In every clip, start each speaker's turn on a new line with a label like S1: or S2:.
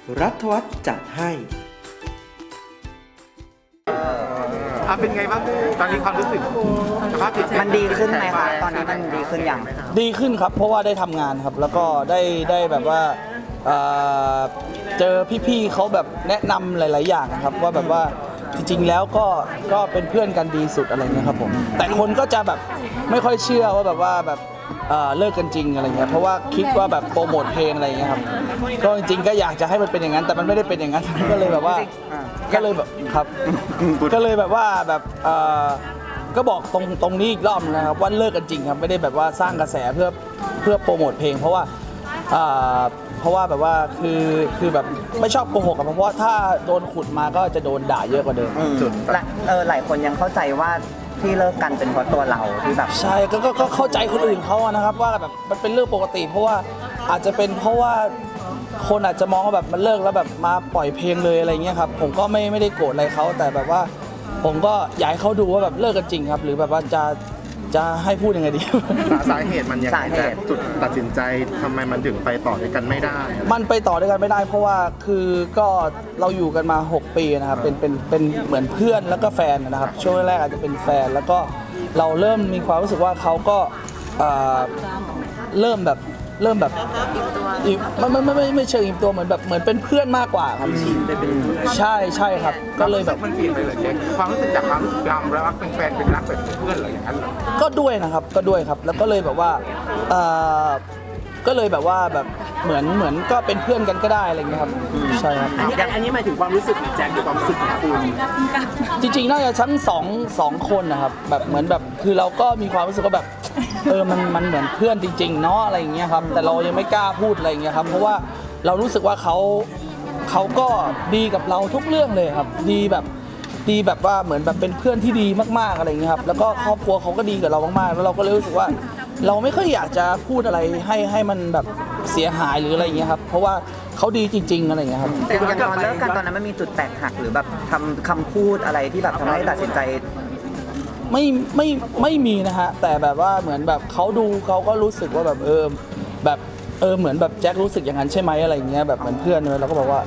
S1: รัฐวัฒน์จัดให้
S2: เป็นไงบ้างตอนนี้ความรู้สึกสภาพจิตใจ
S3: มันดีขึ้นไหมคะตอนนี้มันดีขึ้นยัง
S4: ดีขึ้นครับเพราะว่าได้ทำงานครับแล้วก็ได้แบบว่าเจอพี่ๆเขาแบบแนะนำหลายๆอย่างนะครับว่าแบบว่าจริงๆแล้วก็เป็นเพื่อนกันดีสุดอะไรเงี้ยครับผมแต่คนก็จะแบบไม่ค่อยเชื่อว่าแบบว่าแบบเลิกกันจริงอะไรเงี้ยเพราะว่าคิดว่าแบบโปรโมทเพลงอะไรเงี้ยครับก็จริงๆก็อยากจะให้มันเป็นอย่างนั้นแต่มันไม่ได้เป็นอย่างนั้นก็เลยแบบว่าก็เลยแบบครับก็เลยแบบว่าแบบก็บอกตรงนี้อีกรอบนะครับว่าเลิกกันจริงครับไม่ได้แบบว่าสร้างกระแสเพื่อโปรโมทเพลงเพราะว่าแบบว่าคือแบบไม่ชอบโกหกครับเพราะว่าถ้าโดนขุดมาก็จะโดนด่าเยอะกว่าเดิม
S3: หลายคนยังเข้าใจว่าที่เลิกกันเป็นเพราะตัวเราที่แบบ
S4: ใช่ก็เข้าใจคนอื่นเขานะครับว่าแบบมันเป็นเรื่องปกติเพราะว่าอาจจะเป็นเพราะว่าคนอาจจะมองว่าแบบมันเลิกแล้วแบบมาปล่อยเพลงเลยอะไรเงี้ยครับผมก็ไม่ได้โกรธอะไรเขาแต่แบบว่าผมก็อยากให้เขาดูว่าแบบเลิกกันจริงครับหรือแบบว่าจะให้พูดยังไงดี
S2: สาเหตุมันยังไงแต่จุดตัดสินใจทำไมมันถึงไปต่อด้วยกันไม่ได้
S4: มันไปต่อด้วยกันไม่ได้เพราะว่าคือก็เราอยู่กันมา6 ปีนะครับเป็นเหมือนเพื่อนแล้วก็แฟนนะครับช่วงแรกอาจจะเป็นแฟนแล้วก็เราเริ่มมีความรู้สึกว่าเขาก็เริ่มแบบไม่เชิงอิ่มตัวเหมือนเป็นเพื่อนมากกว่าครับใช่ครับก็เลยแบบ
S2: มันเปลี่ยนไปเลยความรู้สึกจากความรู้สึกรักเป็นแฟนเป็นรักแบบเพื่อนอะไรอย่างนั้นเหรอ
S4: ก็ด้วยนะครับก็ด้วยครับแล้วก็เลยแบบว่าก็เลยแบบว่าแบบเหมือนก็เป็นเพื่อนกันก็ได้อะไรเงี้ยครับใช่ครับ
S5: อันนี้หมายถึงความรู้สึกของแจ็คหรือความรู้สึกของคุณ
S4: จริงๆน่าจะทั้งสองคนนะครับแบบเหมือนแบบคือเราก็มีความรู้สึกว่าแบบมันเหมือนเพื่อนจริงๆเนาะอะไรอย่างเงี้ยครับแต่เรายังไม่กล้าพูดอะไรอย่างเงี้ยครับเพราะว่าเรารู้สึกว่าเขาก็ดีกับเราทุกเรื่องเลยครับดีแบบว่าเหมือนแบบเป็นเพื่อนที่ดีมากๆอะไรอย่างเงี้ยครับแล้วก็ครอบครัวเขาก็ดีกับเรามากๆแล้วเราก็เลยรู้สึกว่าเราไม่ค่อยอยากจะพูดอะไรให้มันแบบเสียหายหรืออะไรอย่างเงี้ยครับเพราะว่าเขาดีจริงๆอะไรอย่างเงี้ยครับ
S3: แต่อย่างตอนเลิกกันตอนนั้นมันมีจุดแตกหักหรือแบบคำพูดอะไรที่แบบทำให้ตัดสินใจ
S4: ไม่มีนะฮะแต่แบบว่าเหมือนแบบเขาดูเขาก็รู้สึกว่าแบบแบบเหมือนแบบแจ็ครู้สึกอย่างนั้นใช่ไหมอะไรอย่างเงี้ยแบบเหมือนเพื่อนเลยเราก็บอกว่า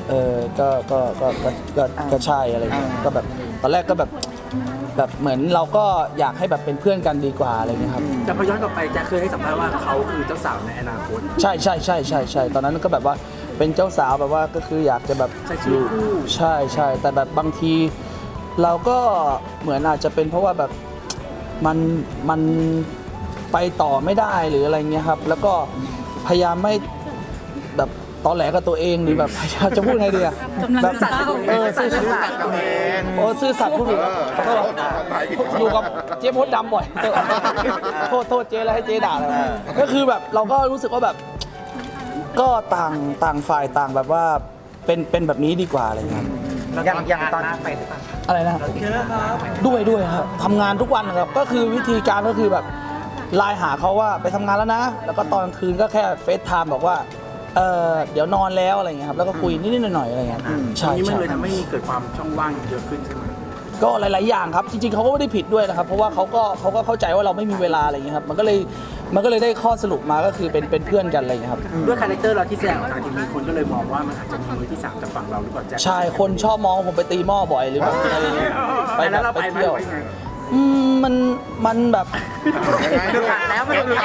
S4: ก็ใช่อะไรอย่างเงี้ยก็แบบตอนแรกก็แบบเหมือนเราก็อยากให้แบบเป็นเพื่อนกันดีกว่าอะไรเงี้ยครับ
S5: แต่พอย้อนกลับไปแจ็คเคยให้สัมภาษณ์ว่าเขาคือเจ้าสาวในอนาคต
S4: ใช่ตอนนั้นก็แบบว่าเป็นเจ้าสาวแบบว่าก็คืออยากจะแบบ
S5: ใช้ชีวิตคู่
S4: ใช่แต่แบบบางทีเราก็เหมือนอาจจะเป็นเพราะว่าแบบมันไปต่อไม่ได้หรืออะไรเงี้ยครับแล้วก็พยายามไม่แบบตอแหลกับตัวเองหรือแบบพยายามจะพูดไงดีอะแบบซื่อสัตย์กับเองซื่อสัตย์พูดถูกอยู่กับเจ๊มดดำบ่อยโทษเจ๊แล้วให้เจ๊ด่าเลยก็คือแบบเราก็รู้สึกว่าแบบก็ต่างฝ่ายต่างแบบว่าเป็นแบบนี้ดีกว่าอะไรเงี้ย
S3: อย่างตอนไป
S4: อะไรนะด้วยครับทำงานทุกวันครับก็คือวิธีการก็คือแบบไลน์หาเขาว่าไปทำงานแล้วนะแล้วก็ตอนคืนก็แค่เฟซไทม์บอกว่าเดี๋ยวนอนแล้วอะไรเงี้ยครับแล้วก็คุยนิดๆหน่อยๆอะไรเงี้ย
S5: ใช่มันเลยทำให้เกิดความช่องว่างเยอะขึ้นใช่ไหม
S4: ก็หลายๆอย่างครับจริงๆเขาก็ไม่ได้ผิดด้วยนะครับเพราะว่าเขาก็เข้าใจว่าเราไม่มีเวลาอะไรเงี้ยครับมันก็เลยได้ข้อสรุปมาก็คือเป็นเพื่อนกันอะไรเงี้ยครับ
S5: ด้วยคาแรคเตอร์เราที่แสดงออกทางทีวีคนก็เลยมองว่ามันอาจจะมีมือที่3จากฝั่งเราหรือเปล่าแจ็ค
S4: ใช่คนชอบมองผมไปตีหม้อบ่อยหรือแบบอะไรเงี้ยไปแบบไปเที่ยวมันแบบ
S3: แล้ว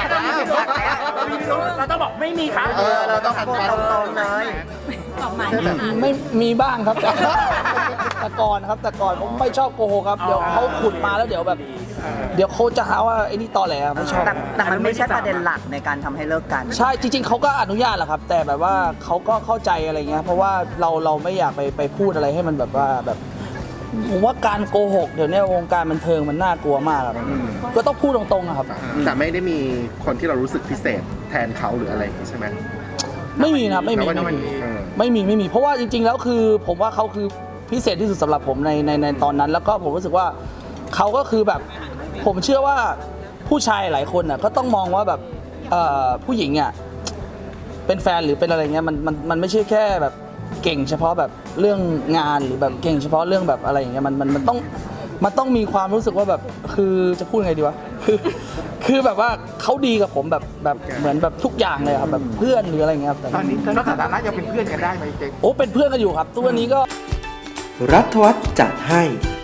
S5: เราต้องบอกไม่มีครับ
S3: เราต้องพูดตรงๆเลย
S4: ไม่มีบ้างครับแต่ก่อนผมไม่ชอบโกหกครับเดี๋ยวเขาขุดมาแล้วเดี๋ยวเขาจะหาว่าไอ้นี่ตอแหลไม่ชอบ
S3: แต่มันไม่ใช่ประเด็นหลักในการทำให้เลิกกัน
S4: ใช่จริงๆเขาก็อนุญาตแหละครับแต่แบบว่าเขาก็เข้าใจอะไรเงี้ยเพราะว่าเราไม่อยากไปพูดอะไรให้มันแบบว่าแบบผมว่าการโกหกเดี๋ยวนี้วงการบันเทิงมันน่ากลัวมากครับก็ต้องพูดตรงๆครับ
S2: แต่ไม่ได้มีคนที่เรารู้สึกพิเศษแทนเขาหรืออะไรใช่ไหม
S4: ไม่มีนะไม่มีเพราะว่าจริงๆแล้วคือผมว่าเขาคือพิเศษที่สุดสำหรับผมในตอนนั้นแล้วก็ผมรู้สึกว่าเขาก็คือแบบผมเชื่อว่าผู้ชายหลายคนน่ะก็ต้องมองว่าแบบผู้หญิงอ่ะเป็นแฟนหรือเป็นอะไรเงี้ยมันไม่ใช่แค่แบบเก่งเฉพาะแบบเรื่องงานหรือแบบเก่งเฉพาะเรื่องแบบอะไรอย่างเงี้ยมันต้องมีความรู้สึกว่าแบบคือจะพูดไงดีวะคือแบบว่าเขาดีกับผมแบบเหมือนแบบทุกอย่างเลยครับแบบเพื่อนหรืออะไรเงี้ยครับแต่
S2: ตอนนี้ก็สถานะยังเป็นเพื่อนกันได้ไหมเจ๊
S4: โอ้เป็นเพื่อนกันอยู่ครับตัวนี้ก็
S1: รัฐวัฒน์จัดให้